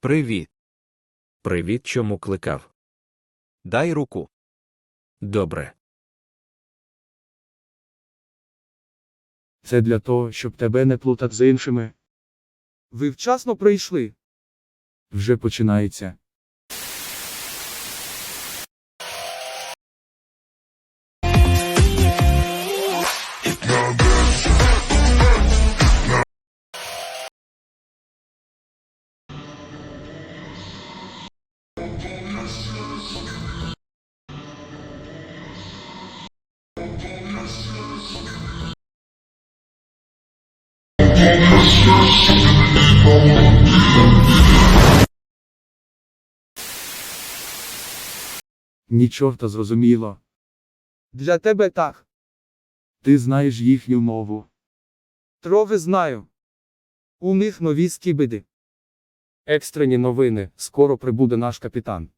Привіт. Привіт, чому кликав? Дай руку. Добре. Це для того, щоб тебе не плутати з іншими. Ви вчасно прийшли. Вже починається. Ні чорта зрозуміло. Для тебе так. Ти знаєш їхню мову. Трохи знаю. У них нові скібиди. Екстрені новини. Скоро прибуде наш капітан.